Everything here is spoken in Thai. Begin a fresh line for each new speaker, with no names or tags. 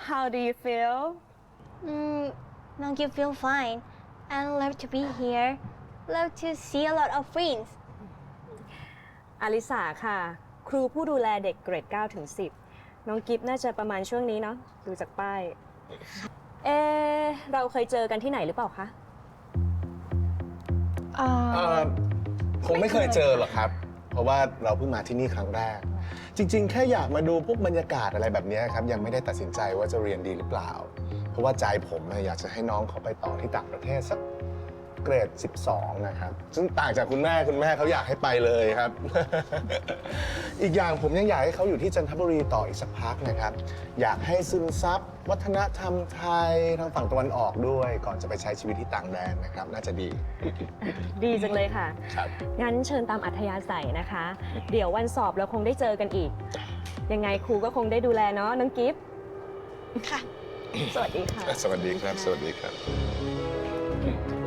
How do you feel?
Don't you feel fine? And love to be here. Love to see a lot of friends.
อลิสาค่ะ ครูผู้ดูแลเด็กเกรด9ถึง10น้องกิฟน่าจะประมาณช่วงนี้เนาะดูจากป้ายเราเคยเจอกันที่ไหนหรือเปล่าคะ
คงไม่เคยเจอหรอกครับ เพราะว่าเราเพิ่งมาที่นี่ครั้งแรก จริงๆ แค่อยากมาดูพวกบรรยากาศอะไรแบบนี้ครับยังไม่ได้ตัดสินใจว่าจะเรียนดีหรือเปล่า เพราะว่าใจผมอยากจะให้น้องเขาไปต่อที่ต่างประเทศสักเกรด 12 นะครับ ซึ่งต่างจากคุณแม่เขาอยากให้ไปเลยครับ อีกอย่างผมยังอยากให้เขาอยู่ที่จันทบุรีต่ออีกสักพักนะครับ อยากให้ซึมซับวัฒนธรรมไทยทางฝั่งตะวันออกด้วย ก่อนจะไปใช้ชีวิตที่ต่างแดนนะครับ น่าจะดี
ดีจังเลยค่ะ
ครับ
งั้นเชิญตามอัธยาศัยนะคะ เดี๋ยววันสอบเราคงได้เจอกันอีก ยังไงครูก็คงได้ดูแลเนาะน้องกิฟ
ค่ะ
สวัสดีค่ะ
สวัสดีครับ สวัสดีครับ